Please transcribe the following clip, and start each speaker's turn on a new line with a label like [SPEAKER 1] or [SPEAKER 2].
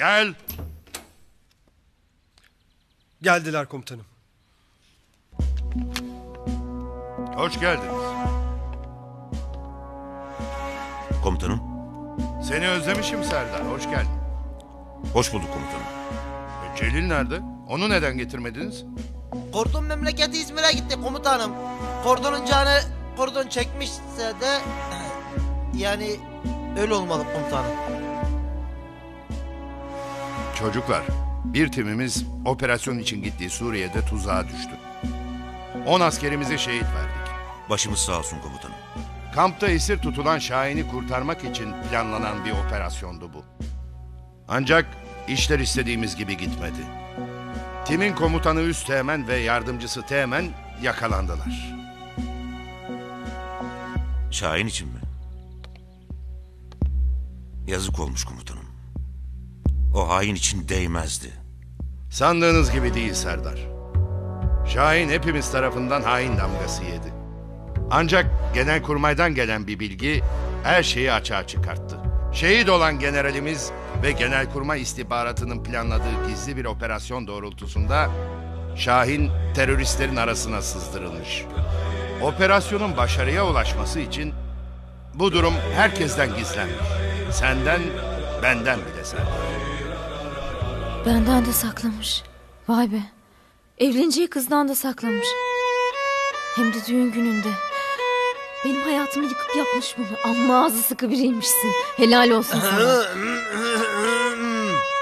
[SPEAKER 1] Gel.
[SPEAKER 2] Geldiler komutanım.
[SPEAKER 1] Hoş geldiniz.
[SPEAKER 3] Komutanım.
[SPEAKER 1] Seni özlemişim Serdar. Hoş geldin.
[SPEAKER 3] Hoş bulduk komutanım.
[SPEAKER 1] Celil nerede? Onu neden getirmediniz?
[SPEAKER 4] Kordon memleketi İzmir'e gitti komutanım. Kordonun canı kordon çekmişse de yani öyle olmalı komutanım.
[SPEAKER 1] Çocuklar, bir timimiz operasyon için gittiği Suriye'de tuzağa düştü. 10 askerimizi şehit verdik.
[SPEAKER 3] Başımız sağ olsun komutanım.
[SPEAKER 1] Kampta esir tutulan Şahin'i kurtarmak için planlanan bir operasyondu bu. Ancak işler istediğimiz gibi gitmedi. Timin komutanı Üsteğmen ve yardımcısı Teğmen yakalandılar.
[SPEAKER 3] Şahin için mi? Yazık olmuş komutanım. O hain için değmezdi.
[SPEAKER 1] Sandığınız gibi değil Serdar. Şahin hepimiz tarafından hain damgası yedi. Ancak Genelkurmay'dan gelen bir bilgi her şeyi açığa çıkarttı. Şehit olan generalimiz ve Genelkurmay istihbaratının planladığı gizli bir operasyon doğrultusunda Şahin teröristlerin arasına sızdırılmış. Operasyonun başarıya ulaşması için bu durum herkesten gizlenmiş. Senden, benden bile Serdar.
[SPEAKER 5] Benden de saklamış. Vay be. Evleneceği kızdan da saklamış. Hem de düğün gününde. Benim hayatımı yıkıp yapmış bunu. Amma ağzı sıkı biriymişsin. Helal olsun sana.